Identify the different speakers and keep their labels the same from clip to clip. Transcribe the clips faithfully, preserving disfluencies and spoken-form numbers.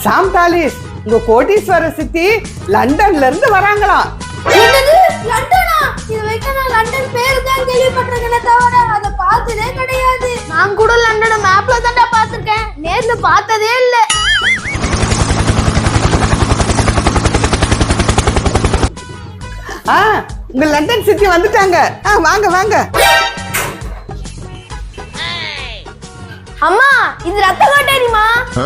Speaker 1: சாம்டாலிஸ் உங்க கோடீஸ்வர சித்தி லண்டன்ல இருந்து வராங்களாம்.
Speaker 2: என்னது லண்டனா? இது வரைக்கும் நான் லண்டன் பேரு தான் கேள்விப்பட்டிருக்கேனே தவிர அத பார்த்ததே கிடையாது. நான் கூட லண்டனை மேப்ல தான்டா பார்த்திருக்கேன், நேர்ல பார்த்ததே இல்ல.
Speaker 1: ஆ உங்க லண்டன் சித்தி வந்துட்டாங்க. ஆ வாங்க வாங்க.
Speaker 2: அம்மா இது ரத்த கோட்டைமா?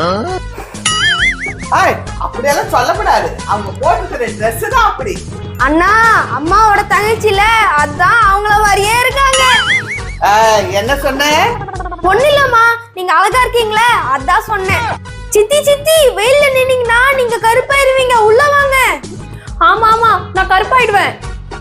Speaker 1: ஆய் அப்படியெல்லாம் சொல்லக்கூடாது, அவங்க போட்டுக்கிற ட்ரெஸ் தான் அப்படி.
Speaker 2: அண்ணா அம்மாவோட தங்கச்சில அதான் அவங்கள மாதிரியே இருக்காங்க.
Speaker 1: என்ன சொன்ன?
Speaker 2: ஒண்ணு இல்லம்மா, நீங்க அழகா இருக்கீங்களே அதான் சொன்னேன். சித்தி சித்தி வெயில்ல நின்னீங்கன்னா நீங்க கருப்பாயிருவீங்க, உள்ள வாங்க. ஆமா ஆமா நான் கருப்பாயிடுவேன்.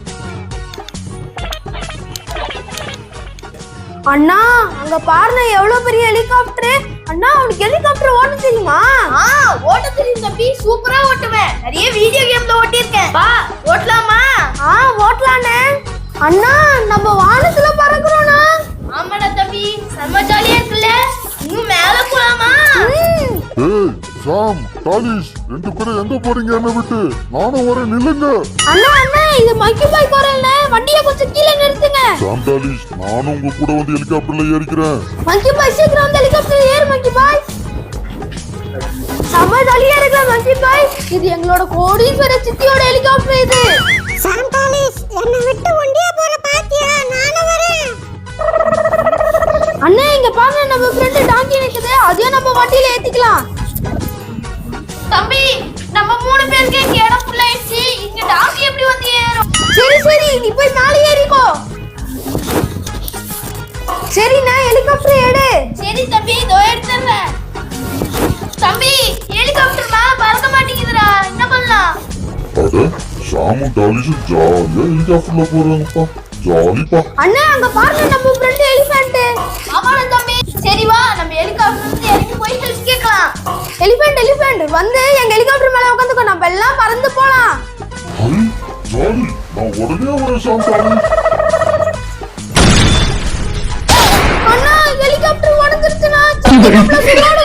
Speaker 2: அண்ணா அங்க பாருங்க எவ்வளவு பெரிய ஹெலிகாப்டர். அண்ணா உனக்கு ஹெலிகாப்டர் ஓட்ட தெரியுமா? ஆ ஓட்ட தெரியும் தம்பி, சூப்பரா ஓட்டுவேன். நிறைய வீடியோ கேம்ல ஓட்டிருக்கேன். வா ஓட்டலாமா? ஆ ஓட்டலானே. அண்ணா நம்ம வானத்துல பறக்குறோம்னா? ஆமாடா தம்பி, செம்ம ஜாலியா இருக்குல்ல. இன்னும் மேல போலாமா?
Speaker 3: ஏய் சாம் டாலிஸ் ரெண்டு பேரும் எங்க போறீங்க? என்ன விட்டு நானும் வரேன், நில்லுங்க.
Speaker 2: அண்ணா அண்ணா இது மக்கி பாய் கோரல்ல, வண்டியை கொஞ்சம் கீழே நிறுத்துங்க.
Speaker 3: சாம் டாலிஸ் நானும் உங்க கூட வந்து ஹெலிகாப்டர்ல ஏறிக்கிறேன்.
Speaker 2: மக்கி பாய் சீக்கிரம் வந்து ஹெலிகாப்டர்ல ஏறு மக்கி பாய். செம்ம ஜாலியா இருக்கு மக்கி பாய். இது எங்களோட கோடீஸ்வர சித்தியோட ஹெலிகாப்டர் இது.
Speaker 4: சாம் டாலிஸ் என்ன விட்டு ஒண்டியா போற பாத்தியா? நானும் வரேன்.
Speaker 2: அண்ணா இங்க பாருங்க நம்ம ஃப்ரெண்ட் டாங்கி நிக்குது, அதையும் நம்ம வண்டியில ஏத்திக்கலாம். தம்பி நம்ம மூணு பேருக்கு இங்க இடம் ஃபுல் ஆயிடுச்சு, இங்க டாங்கி எப்படி வந்து ஏறும்? சரி சரி நீ போய் மேலே ஏறிக்கோ. சரி நான் ஹெலிகாப்டர் எடு. சரி தம்பி இதோ எடுத்துறேன். தம்பி ஹெலிகாப்டர் மேல பறக்க மாட்டேங்குதுடா, என்ன பண்ணலாம்?
Speaker 3: அட சாமும் டாலிஸும் ஜாலியா ஹெலிகாப்டர்ல போறாங்கப்பா, ஜாலிப்பா.
Speaker 2: அண்ணா அங்க பாருங்க நம்ம ஃப்ரெண்ட் எலிஃபண்ட். ஆமாடா தம்பி. சரி வா நம்ம ஹெலிகாப்டர்ல இறங்கி போய் ஹெல்ப் கேட்கலாம். எலிஃபண்ட் எலிஃபண்ட் வந்து எங்க ஹெலிகாப்டர் மேல உட்கார்ந்துக்கோ, நம்ம எல்லாம் பறந்து போலாம்.
Speaker 3: ஹை ஜாலி, நான் உடனே வரேன் சாம் டாலிஸ்.
Speaker 2: அண்ணா ஹெலிகாப்டர் உடைஞ்சிருச்சுனா,